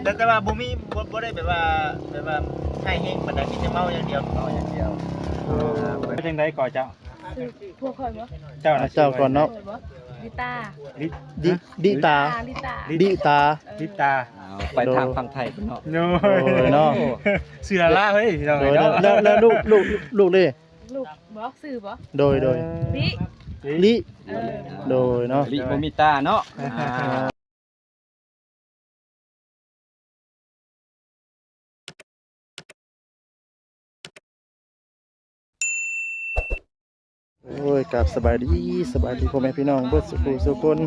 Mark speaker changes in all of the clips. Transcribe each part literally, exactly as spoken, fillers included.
Speaker 1: แต่แต่ว่าบ่มีบ่บ่ได้แบบว่าแบบว่าให้เฮงปานใดมีแต่เมาอย่างเดียวเมาอย่างเดียว
Speaker 2: เป็นจังไดก่อเจ้า
Speaker 3: พวกคนบ่
Speaker 2: เจ้าน่ะ
Speaker 4: เจ้าก่อนเนาะ
Speaker 3: ลิตา
Speaker 2: ลิ
Speaker 4: ดิดิตา
Speaker 3: ลิตา
Speaker 4: ดิตา
Speaker 2: ลิตา
Speaker 5: ไปทางฝั่งไทยเนาะ
Speaker 2: โน้
Speaker 4: โดยเนาะ
Speaker 2: เสือละเฮ้ยพี่น้อง
Speaker 4: โดย
Speaker 2: เนาะ
Speaker 4: แล้วแล้วลูกลูกลูกเลย
Speaker 3: ลูกบ่สื่อบ่
Speaker 4: โดยโดย
Speaker 3: ลิ
Speaker 4: ลิ
Speaker 3: เออ
Speaker 4: โดยเนาะ
Speaker 5: ลิโมมิตาเนาะอ่า
Speaker 4: โอ้ยกับสบายดีสบายดีพ่อแม่พี่น้องเบิดสุขุสุคน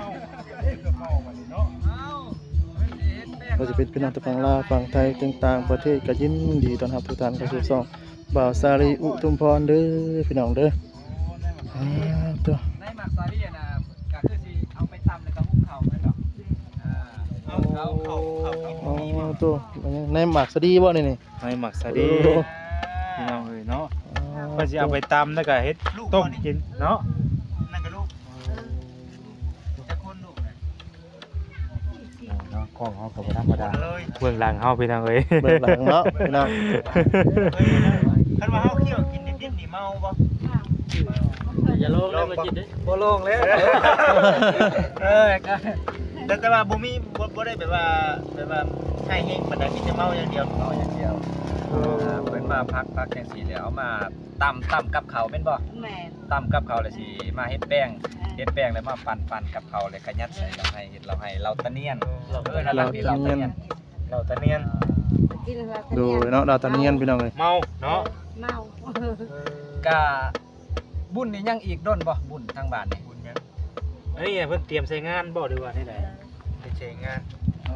Speaker 4: เราจะเป็นพี่น้องตะฝั่งลาวฝั่งไทยต่างๆประเทศก็ยินดีต้อนรับทุกท่านเข้าสู่ช่องบ่าวสาลีอุทุมพรเด้อพี่น้องเด้ออ่าตัว
Speaker 5: ในหมักซาลี่นะก็คือสิเอาไปตำแล้วก็หุงข้าวแม่นดอกอ่าเอาเอาเอาเอา
Speaker 4: อ๋อตัวในหมากสะดีบ่นี่นี่
Speaker 2: ให้หมักซะดีพี่น้องเอ้ยเนาะเพิ่นสิเอาไปตำแล้วก็เฮ็ดต้มกินเนาะ
Speaker 1: นั่นก็ลูกจะคนลูกนะ
Speaker 2: เนาะของเฮาก็บ่ธรรมดา
Speaker 1: เลย
Speaker 2: เบื้องหลังเฮาพี่น้องเอ้ย
Speaker 4: เบิดหลังเนาะพี่น้อง
Speaker 1: คันว่าเฮาเคี่ยวกินนิดๆนี่เมาบ่
Speaker 5: อย่าลงเลยมากินดิบ่ลงแล้วเออก็
Speaker 1: แต่แต่ว่าบ่มีบ่บ่ได้แบบว่าแบบว่าให้เฮงปานใดมีแต่เมาอย่างเดียวเมาอย่างเดียว
Speaker 5: อ่าเพิ่นมาพักพักจังซี่แล้วเอามาตำตำกับข้าวแม่นบ่
Speaker 3: แม่น
Speaker 5: ตำกับข้าวแล้วสิมาเฮ็ดแป้งเฮ็ดแป้งแล้วมาปั่นปั่นกับข้าวแล้วก็ยัดใส่เราให้เฮ็ดเราให้เราตะเนียนเออนั่นล่ะที่เราตะเนียน
Speaker 1: เราตะเนียน
Speaker 3: กินแล้ว
Speaker 4: โดยเนาะดาวตะเนียนพี่น้องเอ้ย
Speaker 2: เมาเนาะ
Speaker 3: เมา
Speaker 5: ก็บุญนี่ยังอีกด้นบ่บุญทางบ้านนี่
Speaker 1: บุญยัง
Speaker 2: อันนี้เพิ่นเตรียมใส่งานบ่ดีว่าที่ใด
Speaker 1: ไปเชงงาน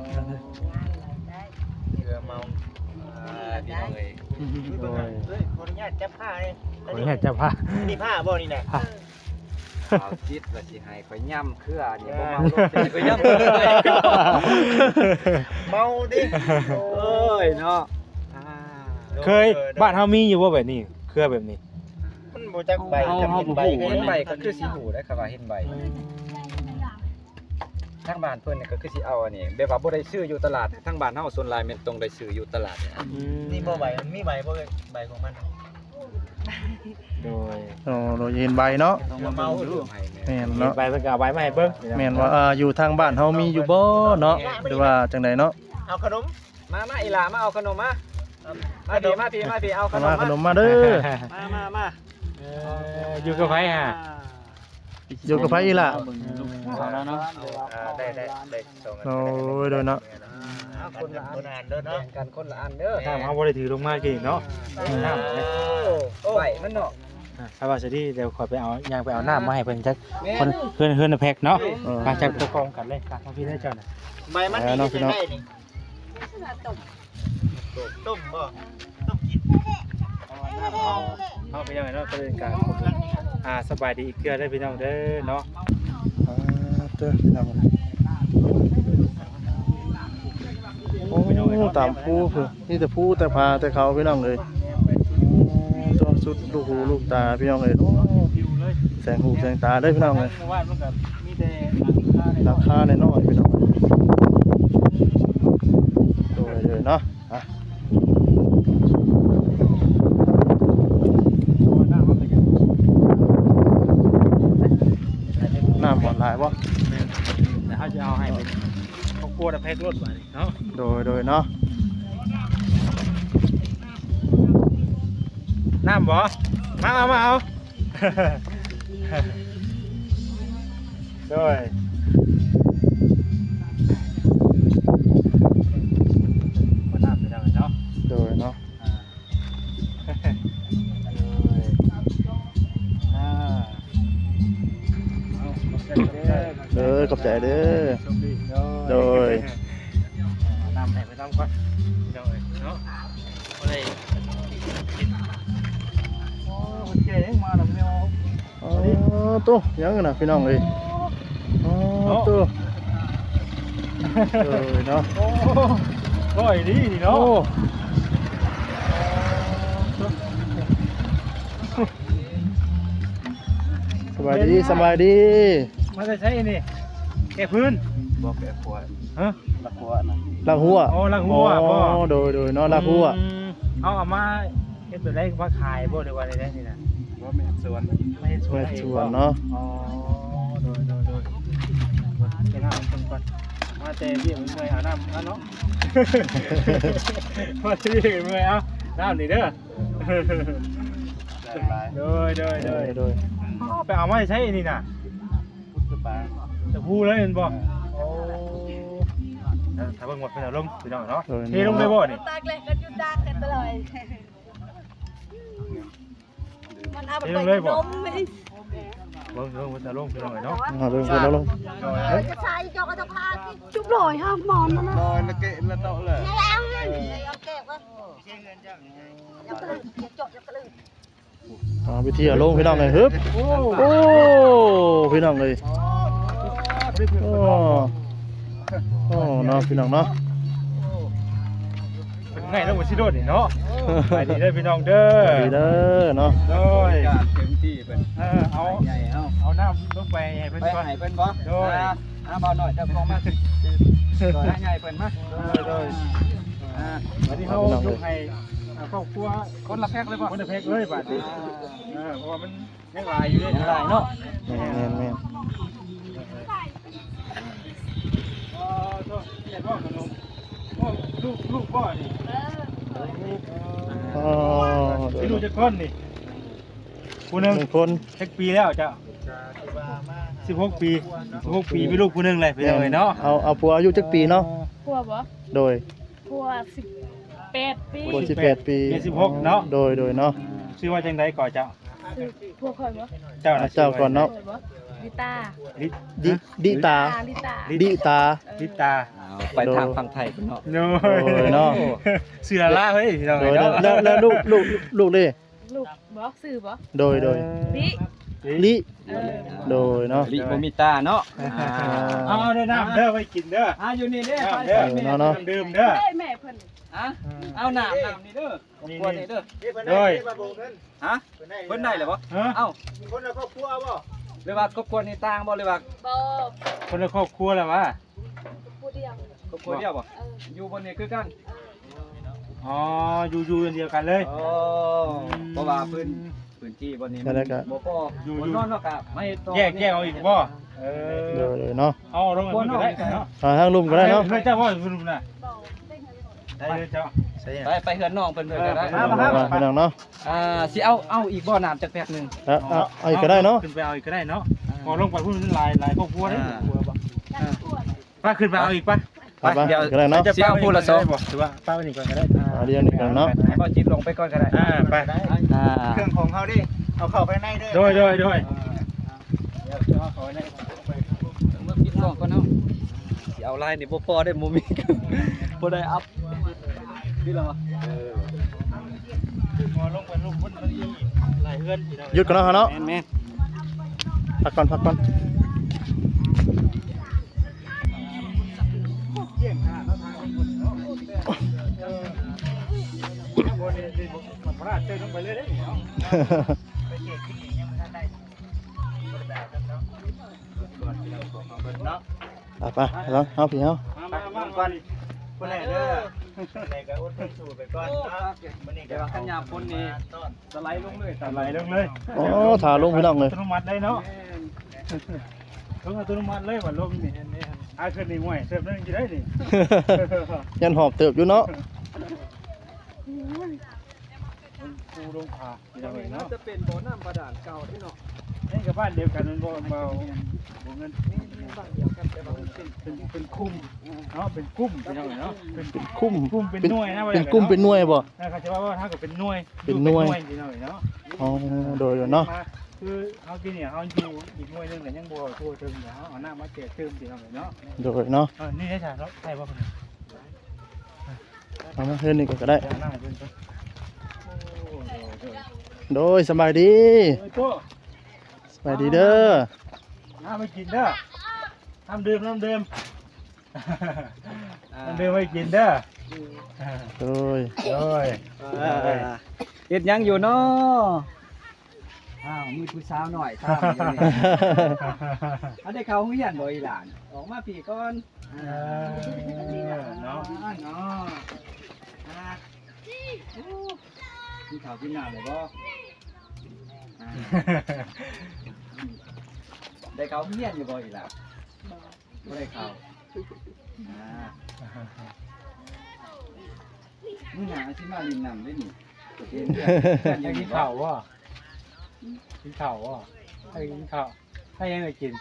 Speaker 1: เรือเมา
Speaker 5: อ่าพี่น้องเอ้ย
Speaker 1: เบิ่งเฮ้ยขออนุญาตจับผ้าเลย
Speaker 2: ขออนุญาตจับผ้า
Speaker 1: นี่ผ้าบ่นี่น่ะ
Speaker 5: เอาจิตว่าสิให้ข่อยย่ำเครือนี่บ่เมาลงสิข่อยย่ำเครือ
Speaker 1: เมาดิ
Speaker 5: โอ้ยเนาะอ่า
Speaker 2: เคยบ้านเฮามีอยู่บ่แบบนี้เครือแบบนี้
Speaker 1: มันบ่จักใบจำเป็นใบ
Speaker 5: เห็นใบก็คือสิหูได้ครับว่าเห็นใบทางบ้านเพิ่นนี่ก็คือสิเอาอันนี้แบบว่าบ่ได้ซื้ออยู่ตลาดทางบ้านเฮาส่วนหลายแม่นตรงได้ซื้ออยู่ตลาดเนี่ย
Speaker 1: นี่บ่ใบมันมีใบบ่เอ้ยใบของมัน
Speaker 2: โดย
Speaker 4: อ๋อโดยเห็นใบเนาะ
Speaker 5: ต้องมาเมาดูให้แม่
Speaker 4: แม่น
Speaker 2: เนาะ
Speaker 4: เนาะ
Speaker 2: ไปเพิ่นก็เอาไว้มาให้เบิ่ง
Speaker 4: แม่นว่าอ่าอยู่ทางบ้านเฮามีอยู่บ่เนาะหรือว่าจังไดเนาะ
Speaker 1: เอาขนม
Speaker 5: มามาอีหลามาเอาขนมมามาพี่มาพี่มาพี่เอาข
Speaker 4: เอา
Speaker 5: น
Speaker 4: มาม ข
Speaker 5: มาน
Speaker 4: มมาเด้อ
Speaker 5: มามามา
Speaker 2: เอออยู่กับไผฮะ
Speaker 4: อยู่กับไผอีหล่ะ
Speaker 5: แล้วเนาะ
Speaker 1: อ่าได้ได้ได้ส่งกัน
Speaker 4: โอ้ยโดยเนาะ
Speaker 5: เอาคนละอั
Speaker 1: คน
Speaker 5: น
Speaker 1: อ่านเด้อเนาะ
Speaker 5: แบ่งกันคนละอันเด้อ
Speaker 2: ถ้าเฮาบ่ได้ถือลงมากินเนาะน้ำเนี่ย
Speaker 5: ไหวมันเนาะ
Speaker 2: ถ้าว่าสิดีเดี๋ยวขอยไปเอาย่างไปเอาน้ำมาให้เพิ่นจักคนเพื่อนเพื่อนแพ็คเนาะมาจากตัวกองกันเลยครับพี่ได้เจ้าน่ะ
Speaker 1: ใบมันนี่จะได้นี่ต้มบ่ต้มกิน
Speaker 2: เฮาไปยังไงเนาะก็เป็นการอ่าสบายดีอีกเกือได้พี่น้องเด้อเนาะ
Speaker 4: อ่าเด้อพี่น้องโอ้ตามผู้เพิ่นนี่แต่ผู้แต่พาแต่เขาพี่น้องเอ้ยตัวสุดลูกหูลูกตาพี่น้องเอ้ยโอ้แสงหูแสงตาเด้อพี่น้องเอ้ย
Speaker 2: ว่ามันก็มีแต่
Speaker 4: ราคาน้อยๆพี่น้องโดยเลยเนาะอ่ะน้ำหวานหลายบ่
Speaker 2: แต่เฮาจะเอาให้เป็นครอบครัวแพ็ครถบัดนี้เนาะ
Speaker 4: โดยโดยเนาะ
Speaker 2: น้ำบ่มาเอามาเอาโดยบ่น้ำไปได้เนาะ
Speaker 4: โดยเนาะ
Speaker 2: อ่าเอาขอบใจเด้อ
Speaker 4: เด้อขอบใจเด้อ
Speaker 2: โชคดี
Speaker 4: โดย
Speaker 2: นำให้ไปนำก่อนโดยเนาะบ่ได้โอ้คนเจ๋งมาแล้วแมว
Speaker 4: อ๋อตัวยังน่ะพี่น้องเอ้ยอ๋อตัวเออเนาะ
Speaker 2: โอ้ก้อยดีนี่
Speaker 4: โอ้
Speaker 2: เนาะ
Speaker 4: สบายดีสบายดี
Speaker 2: มาจะใช้นี่แก้พื้น
Speaker 5: บอกแก่ปวด
Speaker 2: ฮะ
Speaker 1: ละหัวนะ
Speaker 4: ลากหัว
Speaker 2: โอ้ลากหัวบ่
Speaker 4: อ๋อโดยโดยเนาะลากหัว
Speaker 2: อืมเอาเอามาเฮ็ดตัวได้ว่าขายบ่ได้ว่าได้นี่น่ะ
Speaker 1: ว่าไม่สวน
Speaker 2: ไม่เฮ็ดสวน
Speaker 4: เม็ด
Speaker 2: ให้
Speaker 4: ส
Speaker 2: อง
Speaker 4: วน
Speaker 2: บ่
Speaker 4: เนาะ
Speaker 2: อ๋อโดยโดยโดยเก็บน้ำมันก่อนมาแต่เบี้ยมันเมื่อยเอาน้ำเอาเนาะ มาที่เมื่อยเอาน้ำนี่เด้อ
Speaker 1: ได้หลาย
Speaker 2: โดยโดย
Speaker 4: โด
Speaker 2: โดย
Speaker 4: ยโดย
Speaker 2: ไปเอามาใช้นี่น่ะ
Speaker 1: พุทธปา
Speaker 2: จะพูดเลยเห็นบ่โอ้ถ้าเบิ่งหมดเป็นเอาลงพี่น้องเนาะ
Speaker 4: โดย
Speaker 2: เทลงได้บ่นี่
Speaker 3: ตากเลยก็หยุดตากกันตลอดมันเอาไปนมไม่
Speaker 2: เบิ่งเบิ่งมันจะลงพี่น้องเนาะ
Speaker 4: เอาเบิ่งเบิ่งแล้วลง
Speaker 3: จะใช้จอกจะพาจุบลอยห้ามมอนนะ
Speaker 1: นอนละเกะละโตะเลย
Speaker 3: แล้วไงเอาเก็บไว้
Speaker 1: เชื่อเงินจ้ะ
Speaker 3: ยังกระลือยังจดยังกระลือ
Speaker 4: เอาไปเที่ยวลงพี่น้องเลยฮึบโอ้พี่น้องเลยโอ้โอ้เนาะพี่น้องเนาะ
Speaker 2: เป็นไงแล้วบ่สิโดดนี่เนาะไปดีเด้อพี่น้องเด้อ
Speaker 4: ดีเด้อเนาะ
Speaker 2: โดย
Speaker 5: การเต็มที่เพิ่น
Speaker 2: เออเอา
Speaker 5: ใหญ่เฮา
Speaker 2: เอาน้ำลงไปให้เพิ่น
Speaker 5: ไป
Speaker 2: ก่อน
Speaker 5: ให้เพิ่นบ่
Speaker 2: โดย
Speaker 5: อ่าอ่าเบาหน่อยเจ้าของมาต่อให้ใหญ่เพิ่นมา
Speaker 2: โดย
Speaker 5: อ่า
Speaker 2: วันนี้เขายกให้ครอบครัว
Speaker 5: คนละแพ็คเลยบ่
Speaker 2: คนละเพกเลยบาดนี้เออเพราะว่ามันยังหลายอยู่เลย
Speaker 5: ยังหลายเนาะ
Speaker 4: แม่นแม่นแม่น
Speaker 2: อ๋อโทษเรียนว่าขนมโอ้ลูกลูกพ่อนี่
Speaker 4: อ๋อโดย
Speaker 2: ที่ลูกจะก้นนี่ผู้หนึง
Speaker 4: หนึ่งคน
Speaker 2: สักปีแล้วเจ้าสิบหกปีสิบหกปีมีลูกผู้หนึงเลยพี่น้องเอ้ยเนาะ
Speaker 4: เอาเอาผัวอายุจักปีเนาะ
Speaker 3: พัวบ่
Speaker 4: โดย
Speaker 3: พัวสิบแปดปี
Speaker 4: ผัวสิบแปดปี
Speaker 2: เมียสิบหกเนาะ
Speaker 4: โดยโดยเนาะ
Speaker 2: ชื่อว่าจังไดก่อนเจ้า
Speaker 3: คือพัวคอยบ่
Speaker 2: เจ้า
Speaker 4: อ่ะ
Speaker 2: น่ะ
Speaker 4: เจ้าก่อนเนาะ
Speaker 3: คอยบ่ลิตา
Speaker 2: ลิ
Speaker 4: ดิดิตา
Speaker 3: ลิตา
Speaker 4: ดิตา
Speaker 2: ลิตา
Speaker 5: เอาไปทางฝั่งไทยเพิ่นเนาะ
Speaker 2: โน้
Speaker 4: โอ้ยเนาะ
Speaker 2: เสือละเฮ้ยพี่น้อง
Speaker 4: โด
Speaker 2: เอ้
Speaker 4: ย
Speaker 2: ย
Speaker 4: แล้ว
Speaker 2: เนาะ
Speaker 4: แล้วแล้วลูกลูกลูกเลย
Speaker 3: ลูกบ่สื่อบ่
Speaker 4: โดยโดย
Speaker 3: ลิ
Speaker 4: ลิ
Speaker 3: เออ
Speaker 4: โดยเนาะ
Speaker 5: ลิโมมิตาเนาะอ่า
Speaker 2: เอาเด้อน้ำเด้อไว้กินเด้อ
Speaker 5: อ่าอยู่นี่เด้อ
Speaker 2: น้ำเด้อ
Speaker 4: เนาะเนาะ
Speaker 2: น้ำดื่มเด้อ
Speaker 3: ได้แม่เพิ่น
Speaker 5: อ่ะเอาน้ำน้ำนี่เด้อครอบครัวนี่เด้อ
Speaker 2: โดย
Speaker 5: ฮะเพิ่นได้เหรอบ่
Speaker 2: ฮะ
Speaker 5: เอ้า
Speaker 1: คนละครอบครัวบ่
Speaker 5: หรือว่าครอบครัวนี่ต่างบ่หรือว่า
Speaker 3: บ่
Speaker 2: คนละครอบครัวแล้ววะ
Speaker 3: ผู้เดียว
Speaker 5: ครอบครัวเดียวบ่
Speaker 3: เออ
Speaker 5: อยู่บนนี้คือกัน
Speaker 2: อ๋ออยู่อยู่กันเดียวกันเลย
Speaker 5: อ๋อเพราะว่าพื้นพื้นที่บนนี้
Speaker 4: ก็ได้ก็
Speaker 5: บ่พออยู่นอนเนาะกะไม่ต่อ
Speaker 2: แยกแยกเอาอีกบ่เอ
Speaker 4: โด
Speaker 2: อย
Speaker 4: โดยเนาะ
Speaker 2: เอาลงกันก็ได้เนาะ
Speaker 4: อ่าทางลุมก็ได้เนาะ
Speaker 2: เฮ้ยเจ้าว่าคุณลุงน่ะ
Speaker 3: บ่ได้ไง
Speaker 2: ได้เลยเจ้า
Speaker 5: ไปไปเฮือนน้องเพิ่นเพิ่นก็ได้
Speaker 2: มามา
Speaker 4: มาพี่น้องเนาะ
Speaker 5: อ่าสิเอาเอาอีกบ่อน้ำจักแพ็คหนึง
Speaker 4: เอาเอาเอาอีกก็ได้เนาะ
Speaker 2: ขึ้นไปเอาอีกก็ได้เนาะพอลงไปพูดลายลายครอบครัวได้
Speaker 5: อ่า
Speaker 2: ป้าขึ้นไปเอาอีกป้า
Speaker 4: ไปไปก็ได้เนาะ
Speaker 5: สิเอาพูดละสอง
Speaker 2: ถือว่าป้าไปนี่ก่อนก็ได้
Speaker 4: เอาเดียวนี่กันเนาะ
Speaker 5: ให้บ่จิบลงไปก่อนก็ได้
Speaker 2: อ่าไป
Speaker 5: อ่า
Speaker 1: เครื่องของเขาดิเอาเข้าไปในเด้อ
Speaker 2: โดยโดยโดย
Speaker 5: เมื่อกินน้องก่อนเนาะสิเอาลายนี่บ่พอได้บ่มีบ่ได้อัพนี่ล่ะวะ
Speaker 2: พอลงไปลงบนลายเฮือน
Speaker 4: หยุดกันเนาะเนาะ
Speaker 5: แม่น
Speaker 4: พักก่อนพักก่อน
Speaker 2: บนนี่มันพลาดเต้นลงไปเลยเด้เนาะ
Speaker 1: ไปเก็บที่นี่ยังไม่ทันได้บ่ได้แบบนั้นเนาะก่อนที่เราของเอาเบิ่งเนาะ
Speaker 4: ไปไปแล้วเอาพี่เอา
Speaker 2: มามามาก่อน
Speaker 1: คนไหนเด้อคนไหนก็อดทนสู้ไปก่อนเนาะมื้อนี้
Speaker 5: แต่
Speaker 1: ก็
Speaker 5: ว่าขันยามคนนี่
Speaker 1: ต้น
Speaker 5: สไลด์ลงเลย
Speaker 2: ไหลลงเลย
Speaker 4: โอ้ถ่าลงพี่น้องเลย
Speaker 2: อัตโนมัติได้เนาะต้องอัตโนมัติเลยว่าลมนี่อาขึ้นนี่ห่วยเสิร์ฟนั่นจะได้นี่
Speaker 4: ยันหอบเติบอยู่เนาะ
Speaker 2: ปูลงผาที่เราเห็นเนาะ
Speaker 5: จะเป็นบ่อน้ำบาดาลเก่าที่เนาะ
Speaker 2: นี่กับบ้านเดียวกันมันบ่เบาบ่เงิน
Speaker 5: บ้านเดียวกันแต่ว่ามันเป็น
Speaker 2: เป็นเป็นคุ้มเนาะเป็นกุ้มที่เราเห็นเนาะเป็น
Speaker 4: เป็นคุ้ม
Speaker 2: กุ้มเป็นหน่วยนะ
Speaker 4: เป็นกุ้มเป็นหน่วยบ่
Speaker 2: นะครับจะว่าว่าถ้าเกิดเป็นหน่วย
Speaker 4: เป็นหน่วย
Speaker 2: ที่เราเห็นเนาะ
Speaker 4: อ๋อโดยโดยเนาะ
Speaker 2: คือเขากินเนี่ยเขาอยู่อีกหน่วยนึงแต่ยังบ่ทั่วถึงเดี๋ยวเขาเอาหน้ามาเจอเติมที่เราเห็นเนาะ
Speaker 4: โดยเนาะ
Speaker 2: เออนี่ได้จ้ะเนาะใช่ป่ะคนนี้
Speaker 4: เอามาเฮือนนี่ก่อนก็ได้
Speaker 2: เดี๋ยวหน้าเพิ่นเพิ่นโอ้โหเดี๋ยว
Speaker 4: โดยสบายดี
Speaker 2: เฮ้ยโต้
Speaker 4: สบายดีเด้อ
Speaker 2: น้ำไม่กินเด้อน้ำดื่มน้ำดื่มน้ำดื่มไม่กินเด้อ
Speaker 4: โดย
Speaker 2: โอ้ย
Speaker 5: เฮ็ดหยังอยู่เนาะอ้าวมีผู้สาวหน่อยถามอยู่นี่ อันได้เข้าโรงเรียนบ่อีหลาน ออกมาพี่ก่อน
Speaker 2: เออเนาะ
Speaker 5: เนาะอ่ากินข้าวกินน้ำเลยบ่อ่าได้เขาเฮียนอยู่บ่อีหล่ะบ่ได้เขาอ่ามื้อหน้าสิมาลินน้ำได้นี่เห็นเพื่อนเพื่อนอ
Speaker 2: ให้
Speaker 5: ยู่
Speaker 2: กิ
Speaker 5: นี่
Speaker 2: น
Speaker 5: บ่
Speaker 2: ข้าวบ่กินข้าวบ่ให้กินข้าวให้ยังไงกิน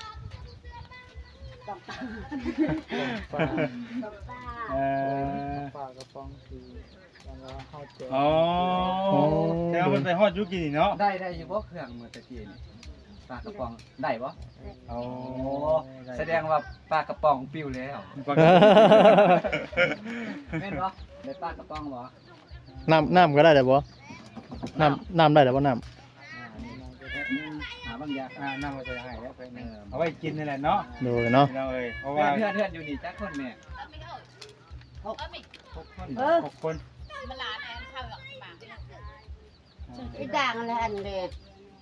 Speaker 4: ปลา
Speaker 2: เออ
Speaker 4: ปลากระป๋องคือแล้วเฮาเจอ
Speaker 2: อ๋อแต่ว่ามันไปฮอดยุกินนี่เนาะ
Speaker 5: ได้ได้อยู่บ่เครื่องมื้อตะกี้นี่ปลากระป๋องได้บ่
Speaker 2: โอ้
Speaker 5: โอ้แสดงว่าปลากระป๋องปิ้วแล้ว
Speaker 2: ปกติ
Speaker 5: แม่นบ่ได้ปลากระป๋องบ่
Speaker 4: น้ำน้ำก็ได้แต่บ่น้ำน้ำได้แต่บ่น้ำ
Speaker 5: หาบางอย่าง
Speaker 2: อ่านั่งมาจะให้แล้วไปนี่เอาไว้กินนี่แหละเนาะ
Speaker 4: โดยเนาะ
Speaker 2: พี่น้องเอ้ยเพราะ
Speaker 5: เพื่อ
Speaker 2: ว่าน
Speaker 5: เพื่อนเพื่อนอยู่นี่จักคนแม่หกหกคน
Speaker 3: เออ
Speaker 2: หกคน
Speaker 3: ไอ้ด่างอะไรอันเด็ด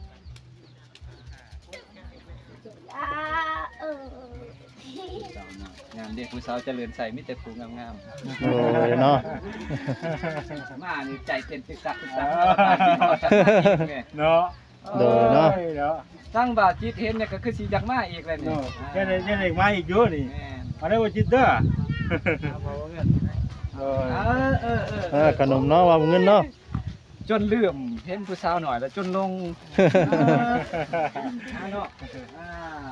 Speaker 3: อ่าเออ
Speaker 5: งามเด็กผู้สาวเจริญใส่มิแต่ผู้งาม
Speaker 4: โดยเนาะ
Speaker 5: ๆมานี่ใจเต้นตึกตักตึกตัก
Speaker 2: เนาะ
Speaker 4: โดยเนาะ
Speaker 2: เนาะ
Speaker 5: ตั้งบาจิตเห็นเนี่ยก็คือสิอยากมาอีกแล้วนี่
Speaker 2: เนาะแค่ได้แค่ได้มาอีกอยู่นี่
Speaker 5: แม่น
Speaker 2: เอาได้บ่จิตเด้อเอ
Speaker 5: เอ
Speaker 2: อ
Speaker 5: อเออเออ
Speaker 4: เออขนมเนาะว่าเงินเนาะ
Speaker 5: จนลืมเห็นผู้สาวหน่อยแล้วจนลงอ่าเนาะอ่า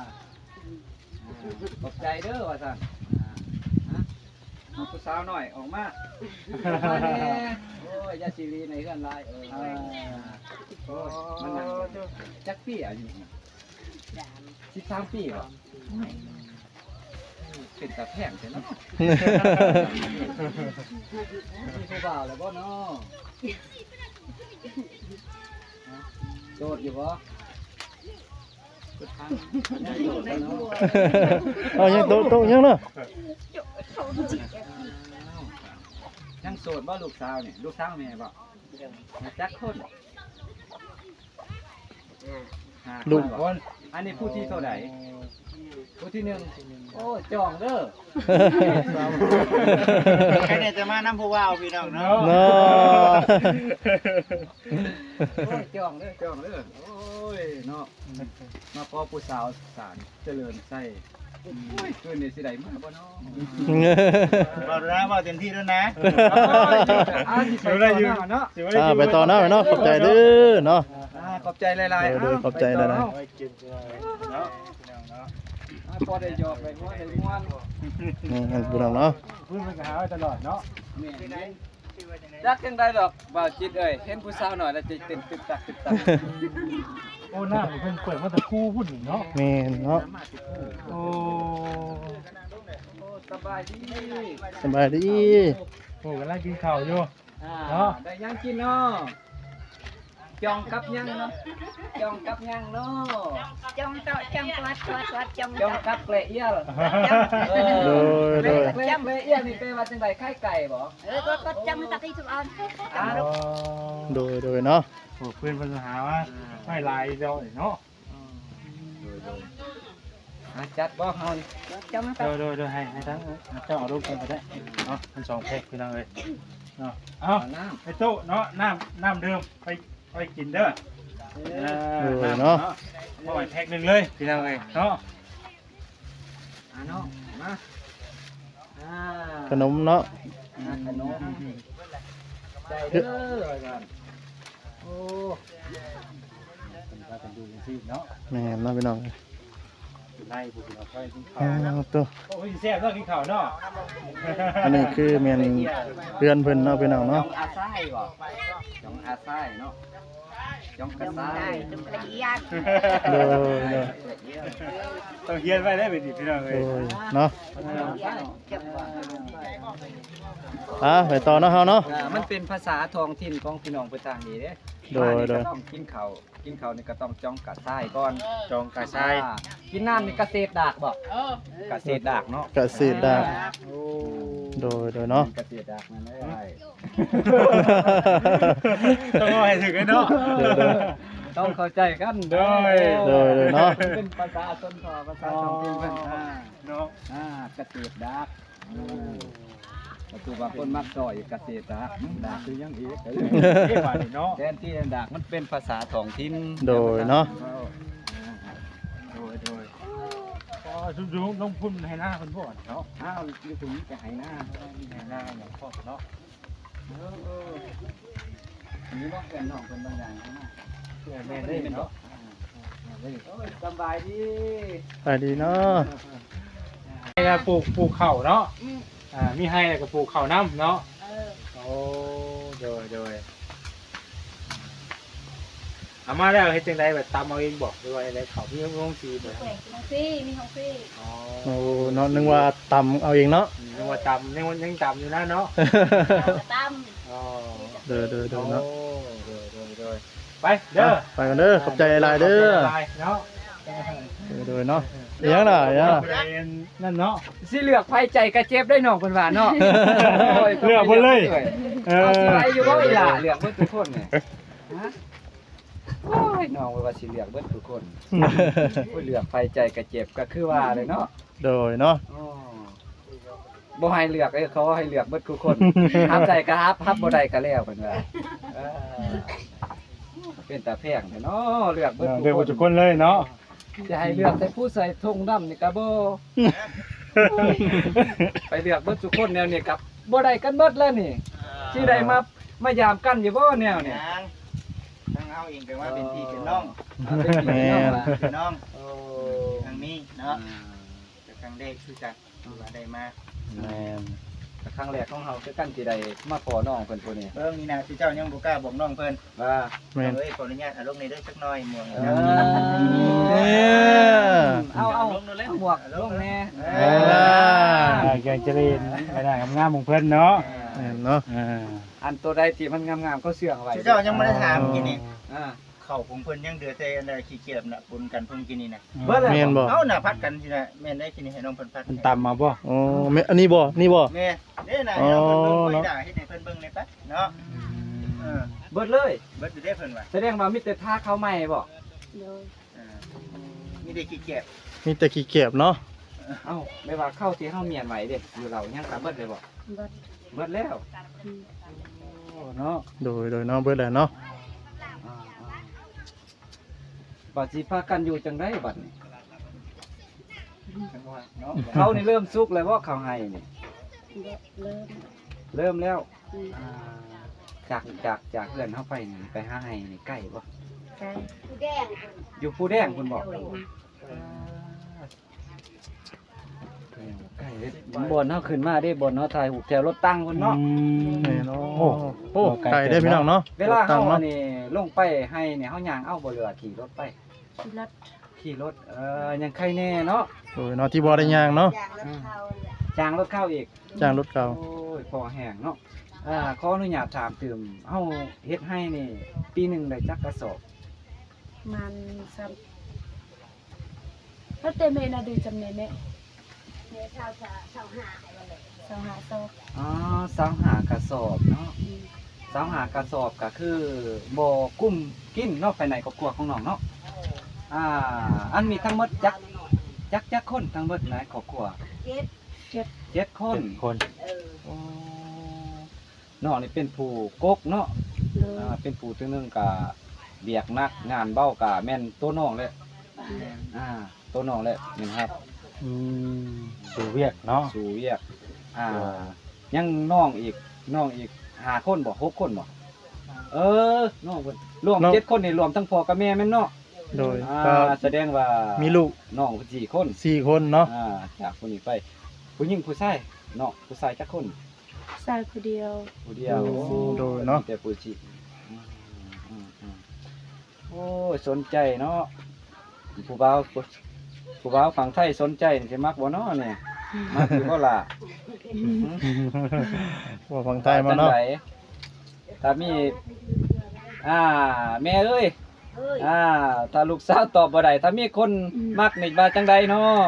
Speaker 5: ขอบใจเด้อว่าซั่นอ่าเอาผู้สาวหน่อยออกมาออกมาแน่โอ้ยยาซีรีในเฮือนลายเอออ่าโอ้ยมันนั่งจักปีอายุสิบสามปีเหรอเป็นตาแพงใช่เนาะมีผู้บ่าวแล้วบ่เนาะโสดอยู่บ่สุดทางยังโสดแล้วเนาะ
Speaker 4: เอายังโตโตยังเนาะ
Speaker 5: ยังโสดบ่ลูกสาวเนี่ยลูกสาวแม่บ่จักคนห้า
Speaker 4: ลูก
Speaker 5: คน อันนี้ผู้ที่เท่าไหร่ผู้ที่หนึ่งโอ้จองเด้อ
Speaker 1: ใครเนี่ยจะมาน้ำผู้ว่าวพี่น้องเนาะ
Speaker 4: เนาะ
Speaker 5: โอ้ยจองเด้อจองเด้อโอ้ยเนาะมาพอผู้สาวสารเจริญไส้โอ้ยคืนนี้สิได้มาบ่เนาะ
Speaker 1: บอกนะบอกเต็มที่แล้วนะ
Speaker 5: อ่าสิไปต่อหน้าเนาะ
Speaker 4: อ่าไปต่อเนาะเนาะขอบใจเด้อเนาะ
Speaker 5: อ่าขอบใจหลายๆ
Speaker 4: เดี๋ยว
Speaker 5: เอ้า
Speaker 4: ขอบใจหลายๆ
Speaker 5: ไปต่อเนาะ
Speaker 2: ไว้กินเนาะพี่น้องเนาะ
Speaker 5: อ่าพอได้หยอกได้หัวได้ม่วน
Speaker 4: นี่อันพี่น้องเนาะ
Speaker 2: พูดมันก็หาไว้ตลอดเนาะ
Speaker 5: แม่นจักจังได๋ดอกบ่าวจิตเอ้ยเห็นผู้สาวหน่อยแล้วใจเต้นตึกตักตึกตัก
Speaker 2: โอ้หน้ามันเพิ่นเปิดมาแต่คู่พุ่นเนาะ
Speaker 4: แม่นเนาะ
Speaker 2: โอ้
Speaker 5: โอ้สบายดี
Speaker 4: สบายดี
Speaker 2: โหกำลังกินข้าวอยู่
Speaker 5: อ่า
Speaker 2: เนาะ
Speaker 5: ได้ยังกินเนาะจองกับยังเนาะจองกับยังเนาะ
Speaker 3: จงโตจงวัดวัดวัดจง
Speaker 5: จองกับเกละเอียดเอ
Speaker 4: โด
Speaker 5: อย
Speaker 4: โดย
Speaker 5: เกละเกละเอียดนี่แปลว่าจังไดไข่ไก่บ่
Speaker 3: เออก็ก็จงตะกี้ทุกอัน
Speaker 5: อ่า
Speaker 2: อ๋อ
Speaker 4: โดยโดยเนาะ
Speaker 2: โอ้เพื่อนเพิ่นหาว่าไม่ลายเดียวเนาะ
Speaker 5: อ่าจัดบ่เฮานี่
Speaker 3: จงโต
Speaker 2: โดยโดยโดยให้ให้ทั้งเจ้าเอาลูกกันก็ได้เนาะมันสองแพ็คพี่น้องเอ้ยเนาะเอา
Speaker 5: เอาน้ำ
Speaker 2: ไอ้ตู้เนาะน้ำน้ำเดิมไปไปกินเด้อ
Speaker 5: เอ
Speaker 2: เอ
Speaker 5: อ
Speaker 2: อน้ำเนาะเอาไว้แพ็คหนึงเลยพี่น้องเอ้ยเนาะ
Speaker 5: อ่าเนาะมาอ่า
Speaker 4: ขนมเนาะ
Speaker 5: อ่าขนมใจเด้อว่าซั่นโอ้
Speaker 2: เป็นว่ากันดูจังซี่เนาะ
Speaker 4: แม่นเนาะพี่น้อง
Speaker 2: ไล่ผู้พี่น้องไปกินข้า
Speaker 4: อ้าว วตัว
Speaker 2: โอ้ยแซ่บเนาะกินข้าวเนาะ
Speaker 4: อันนี้คือแม่นเพื่อนเพิ่นเนาะพี่น้อง
Speaker 5: จอ
Speaker 4: เนาะ
Speaker 5: งอาไส้บ่จองอาไส้เนาะจองกระ
Speaker 3: จง
Speaker 5: ไส้
Speaker 3: ได้จงละเอียด
Speaker 4: โดยโดย
Speaker 5: ละเอียด
Speaker 2: ต้องเฮียนไว้ได้เป็นดิพี่น้อง
Speaker 4: โด
Speaker 2: เอ้ย
Speaker 4: ยเนาะ
Speaker 3: จงว่า
Speaker 4: อ่ะไปต่อเนาะเฮาเนาะ
Speaker 5: อ่ามันเป็นภาษาท้องถิ่นของพี่น้องเพิ่นต่างนี่เด้
Speaker 4: โดยโดย
Speaker 5: มานี่ก็ต้องกินข้าวกินข้าวนี่ก็ต้องจ้องกระไส้ก่อน
Speaker 2: จองกระชาย
Speaker 5: อ่ากินน้ำนี่กระเศษดากบ่กระเศษดากเนาะ
Speaker 4: กะเศษดาบ
Speaker 2: โอ้
Speaker 4: โดยโดยเนาะ
Speaker 5: กระเศษดากมันได้
Speaker 2: ต้องเอาให้ถึงไอ้เนาะ
Speaker 4: เดี๋ยวเดี๋ยว
Speaker 5: ต้องเข้าใจกันเด้อ
Speaker 4: โดยโดยเนาะ
Speaker 5: เป็นภาษาชนเผ่าภาษาท้องถิ่นเพิ่นอ่า
Speaker 1: เนาะ
Speaker 5: อ่าเกษตรดักประตูบางคนมักซอยเกษตรดักดักคือยังอีก
Speaker 1: เอ้บาดนี่เนาะ
Speaker 5: แทนที่ดักมันเป็นภาษาท้องถิ่น
Speaker 4: โดยเนาะ
Speaker 1: โดยโดยพอชุบๆลงพุ่นให้หน้าเพิ่นบ่เนาะ
Speaker 5: อ้าวอยู่ตรงนี้จะให้หน้า
Speaker 1: ให้หน้าอย่างพอเนาะ
Speaker 5: เออเอออันนี้ว่าแฟนน้องเพิ่นบางอย่างให้หน้า
Speaker 1: เพื่อแม่ได้เนาะ
Speaker 5: โอ้ยสบายดี
Speaker 4: ไปดีเนาะ
Speaker 2: ให้ก็ปลูกปลูกข้าวเนาะอ่ามีให้แล้วก็ปลูกข้าวน้ำเนาะ
Speaker 3: เออ
Speaker 2: โอ้โดยโดยเอามาแล้วเฮ็ดจังไดแบบตำเอาเองบอกหรือว่าอะไรเขาพี่ลงสีบ่
Speaker 3: แขวงของพี่มีของพี่
Speaker 2: อ๋อ
Speaker 4: โอ้เนาะนึกว่าตำเอาเองเนาะ
Speaker 2: ยังว่าตำยังว่ายังตำอยู่นะเนาะ
Speaker 3: เราตั้ม
Speaker 2: อ๋อ
Speaker 4: เด้อเด้อเด้อเนาะ
Speaker 2: โอ้โดยโดยโดยไปเด้อ
Speaker 4: ไปกันเด้อขอบใจหลายๆเด้อ
Speaker 2: ขบใจหลายๆเนาะ
Speaker 4: เด้อเด้อเนาะอีหยังล่ะอีหยังล่ะ
Speaker 2: นั่นเนาะ
Speaker 5: สิเลือกไผใจกระเจ็บได้น้องเพิ่นว่าเนาะ
Speaker 2: เลือกเพิ่นเลย เอ
Speaker 5: เอาสิ
Speaker 2: อ
Speaker 5: ไปอยู่บ่อีหล่ะเลือกเบิดทุกคนเนี่ยฮะโอ้ยน้องว่าสิเลือกเบิดทุกคนโอ้ยเลือกไผใจกระเจ็บก็คือว่าเลยเนาะ
Speaker 4: โดยเนาะ
Speaker 5: อ๋อบ่ให้เลือกเอ้ยเขาให้เลือกเบิดทุกคนห้ามใจก็ฮับฮับบ่ได้ก็แล้วเพิ่นว่าเออเป็นตาแพงแท้เนาะเลือกเบิด
Speaker 2: เดี๋ยว
Speaker 5: ทุก
Speaker 2: ทุก
Speaker 5: ค
Speaker 2: คน นเลยเนาะ
Speaker 5: จะให้เลือกแต่ผู้ใส่ธงดำนี่ก็บ่ไปเลือกเบิดทุกคนแนวนี้กับบ่ได้กันเบิดแล้วนี่สิได้มามายามกันอยู่บ่แนวเนี่ย
Speaker 1: ยังทางเฮาเองก็ว่าเป็นพี่เป็นน้อง
Speaker 5: เป็นพี่น้องล่ะ
Speaker 1: เป็นน้อง
Speaker 5: โอ้
Speaker 1: ทางนี้เนาะแต่ครั้งแรกคือกันว่าได้มา
Speaker 4: แม่น
Speaker 5: ครั้งแรกของเฮาคือกันสิได้มาขอน้องเพิ่นผู้นี้
Speaker 1: เบิ่งนี่นะที่เจ้ายังบ่กล้าบอกน้องเพิ่น
Speaker 5: ว่า
Speaker 4: แม่น
Speaker 1: เอ้ยขออนุญาตเอาลงในเด้อสักหน่อยหมวก
Speaker 5: เอ
Speaker 1: นะ
Speaker 5: อ
Speaker 4: เนี่ย
Speaker 5: เอาเอาหมวกลงแน่
Speaker 2: เออแกงเจริญไปได้งามๆของเพิ่นเนาะ
Speaker 4: แม่นเนาะ
Speaker 2: อ่า
Speaker 5: อันตัวใดที่มันงามๆก็เสื่องไว้
Speaker 1: ที่เจ้ายังไม่ได้ถามกินนี่
Speaker 5: อ่า
Speaker 1: เข้าของเพิ่นยังเดือแต่อันใดขี้เกียจน่ะปนกันเพิ่นกินนี่นะ
Speaker 5: เบิดแล้ว
Speaker 4: แม่นบ่
Speaker 1: เอ้าน่ะพัดกันสินะแม่นได้กินนี่ให้น้องเพิ่นพัด
Speaker 2: มันตำมาบ่
Speaker 4: โอ้แม่อันนี้บ่นี่บ่
Speaker 1: แม่เด้น่ะให้น้องเพิ่นเบิ่ง
Speaker 4: อ๋อ
Speaker 1: ไว้
Speaker 4: เนาะ
Speaker 1: ด่าเฮ็ดให้เพิ่นเบิ่งในปั๊เนาะเออ
Speaker 5: เบิดเลย
Speaker 1: เบิดอยู่ได้เพิ่นว่า
Speaker 5: แสดงว่ามีแต่ท่าเข้าใหม่บ่
Speaker 3: โดย
Speaker 1: เออมีได้ขี้เกียจ
Speaker 4: มีแต่ขี้เกียจเนาะ
Speaker 5: เอ้าไม่ว่าเข้าที่เฮาเมียนไว้เด้อยู่เรายังก็เบิดเลยบ่
Speaker 3: บัด
Speaker 5: เบิดแล้วเนาะ
Speaker 4: โดยโดยเนาะเบิดแหละเนาะ
Speaker 5: บัดสิพากันอยู่จังไดบัดนี้
Speaker 1: จังว่าเนาะ
Speaker 5: เขานี่เริ่มสุกแล้วบ่เขาให้นี่
Speaker 3: เริ่ม
Speaker 5: เริ่มแล้ว
Speaker 3: อืม
Speaker 5: อ่าจากจากจากเพื่อนเฮาไปนี่ไปหาให้นี่ใกล้บ่
Speaker 3: ใช่ผู้แดง
Speaker 5: อยู่ปูแดงเพิ่นบอกใกล้เด้บ่อนเฮาขึ้นมาเด้บ่อนเฮาถ่ายรูปแถวรถตั้งเพิ่นเนาะ
Speaker 4: แม่นเนาะ
Speaker 2: โอ้
Speaker 4: โอ้ไก่ได้พี่น้องเนาะ
Speaker 5: เวลา
Speaker 4: ตั้
Speaker 5: เฮาง อั
Speaker 4: เนาะ
Speaker 5: นนี้ลงไปให้เนี่ยเฮาย่างเอาบ่เรือขี่รถไป
Speaker 3: ขี่รถ
Speaker 5: ขี่รถเอ่อยังใครแน่เนาะ
Speaker 4: โดยเนาะที่บ่ได้ย่างเนาะ
Speaker 3: อย่างรถเขาแหละ
Speaker 5: จ้างรถเข้าอีก
Speaker 4: จ้างรถเก่า
Speaker 5: โอ้ยพอแห้งเนาะอ่าขออนุญาตถามตื่มเฮาเฮ็ดให้นี่ ปีหนึงได้จักกระสอบ
Speaker 3: มันซ้ำถ้าเต็มเมนาดูจำเนเมเนี่ยชาวชาชาวหาอะไรเลยชาวหาโซ
Speaker 5: อ๋อสามหากระสอบเนาะ
Speaker 3: อืม
Speaker 5: สามหากระสอบก็คือบ่กุ้มกินเนาะภายในครอบครัวของน้องเนาะอ่าอันมีทั้งหมดจักจักจักคนทั้งหมดในครอบครัว
Speaker 3: เจ็ด
Speaker 5: เจ็ดคน
Speaker 2: คน
Speaker 3: เออ
Speaker 5: โอ้น้องนี่เป็นผู้กกเนาะ
Speaker 3: เลย
Speaker 5: อ่าเป็นผู้ตัวหนึงก็เบียกนักงานเบ้าก็แม่นตัวน้องเลยอ่าตัวน้องเลยแม่นครับ
Speaker 2: อืมสู่เวียกเนาะ
Speaker 5: สู่เวียกอ่ายังน้องอีกน้องอีกห้าคนบ่หกคนบ่เออน้องเพิ่นรวมเจ็ดคนนี่รวมทั้งพ่อกับแม่แม่นเนาะ
Speaker 4: โดย
Speaker 5: อ่า
Speaker 4: ก็
Speaker 5: แสดงว่า
Speaker 4: มี
Speaker 5: มี
Speaker 4: ลูก
Speaker 5: น้องเพิ่นสี่คน
Speaker 4: สี่คนเนาะ
Speaker 5: อ่าจากคนนี้ไป ผู้หญิงผู้ชายเนาะผู้ชายจักคน
Speaker 3: ชายคนเดียว
Speaker 5: ผู้เดียว
Speaker 4: โดยเนาะ
Speaker 5: มีแต่ผู้ชิอืมอืมอืมโอ้ยสนใจเนาะผู้บ่าวผู้ผู้บ่าวฝั่งไทยสนใจนี่สิมักบ่เนาะเนี่ยมักอยู่บ่ล่ะ
Speaker 4: ว่าฝั่งใต้มาเนาะ
Speaker 5: จังไดถ้ามีอ่าแม่เอ้ย
Speaker 3: เอ้ย
Speaker 5: อ่าถ้าลูกสาวตอบบ่ได้ถ้ามีคนมักนี่ว่าจังใดเนาะ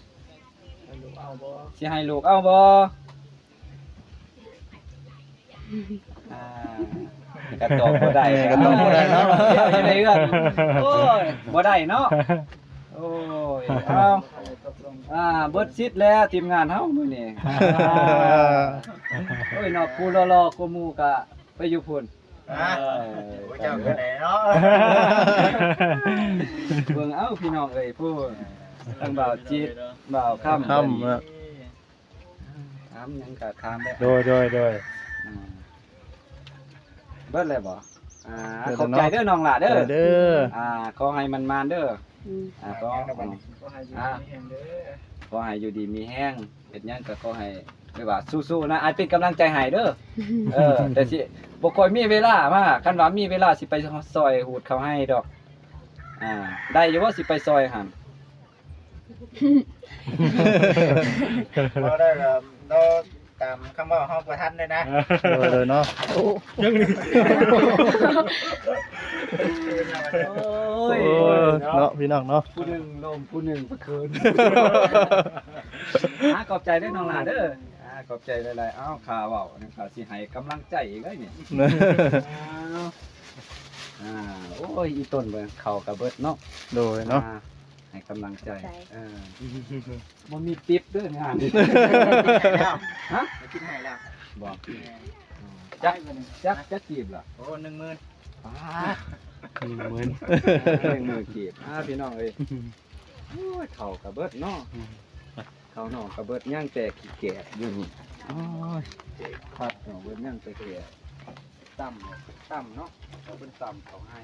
Speaker 5: สิให้ลูกเอาบ่อ่ากระตอบบ่ได้
Speaker 4: แม่ก็ตอบบ่ได้เนาะ
Speaker 5: อยู่ในเรื่องโอ้ยบ่ได้เนาะโอ้ยเอาอ่าเบิดซิดแล้วทีมงานเฮามื้อนี้อ่าโอ้ยเนาะผู้รอๆกว่าหมู่ก็ไปอยู่พุ่น
Speaker 1: ฮะโอ้เจ้ากันไหนเนาะ
Speaker 5: เบิ่งเอ้าพี่น้องเอ้ยผู้ทั้งบ่าวจิตบ่าวค่ำ
Speaker 4: ค่ำอะ
Speaker 5: ถามหยังก็ถามได้
Speaker 2: โดยโดยโดย
Speaker 5: อ่าเบิดเลยบ่อ่าขอบใจเด้อน้องหล่ะเด้อ
Speaker 4: เด้อ
Speaker 5: อ่าขอให้มันมานเด้อ
Speaker 3: อืม
Speaker 5: อ่าขออ่าขอให้อยู่ดีมีแห้งเฮ็ดหยังก็ขอให้เรียกว่าสู้ๆนะอายเป็นกำลังใจให้เด้อเออแต่สิบ่ค่อยมีเวลามาคันว่ามีเวลาสิไปซอยหูดเขาให้ดอกอ่าได้อยู่บ่สิไปซอยหั่น
Speaker 1: เราได้ก็เราตามคำว่าห้องประทันเลยนะ
Speaker 4: โดยเลยเนาะ
Speaker 2: ยังนี่
Speaker 5: โอ้ย
Speaker 4: โอ้เนาะพี่น้องเนาะ
Speaker 5: ผู้หนึงลมผู้หนึงประคืน อ่าขอบใจเด้อน้องหลาเด้ออ่าขอบใจหลายๆเอ้าข่าเว้านี่ข่าสิให้กำลังใจอีกเด้อนี่อ่าโอ้ยอีต้นเบิ่งเข้ากับเบิดเนาะ
Speaker 4: โดยเนาะ
Speaker 5: อ่ให้กำลังใจเออบ่มีปิ๊บเด้องาน
Speaker 1: แล้ว
Speaker 5: ฮะ
Speaker 1: คิดให้แล้ว
Speaker 5: บอกจักจักจักจีบล่ะ
Speaker 1: โอ้หนึ่งหมื่น
Speaker 5: ป้า
Speaker 2: หนึ่งหมื่น
Speaker 5: หนึ่งมือจีบอ่าพี่น้องเอ้ยโอ้ยเข้ากับเบิดเนาะเข้าน้องกับเบิดย่างแต่ขี้แก่อยู่นี่โอ้ยครับน้องเบิดย่างแต่แก่ต่ำต่ำเนาะเขาเป็นต่ำเขาให้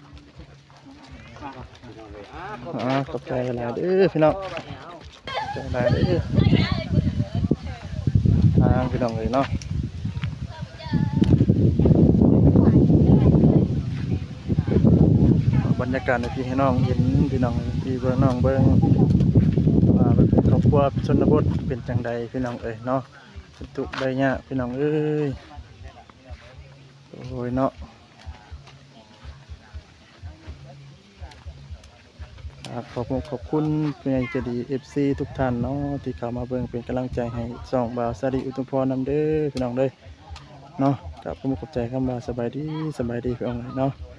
Speaker 5: พี่น้องเอ้ยอ่าขอบใจ
Speaker 4: อ่าขอบใจหลายๆเด้อพี่น้อง ขอบใจหลายเด้อทางพี่น้องเลยเนาะบรรยากาศในพี่ให้น้องเห็นพี่น้องพี่เบิ่งน้องเบิ่งว่าเป็นครอบครัวชนบทเป็นจังใดพี่น้องเอ้ยเนาะเป็นทุกข์ได้ยากพี่น้องเอ้ยโอ้ยเนาะครับขอบคุณขอบคุณเป็นอย่างใจดี เอฟ ซี ทุกท่านเนาะที่เข้ามาเบิ่งเป็นกำลังใจให้สองบ่าวสาดีอุทุมพรนำเด้อพี่น้องเด้อเนาะกับผมขอบใจคำว่าสบายดีสบายดีพี่น้องเนาะ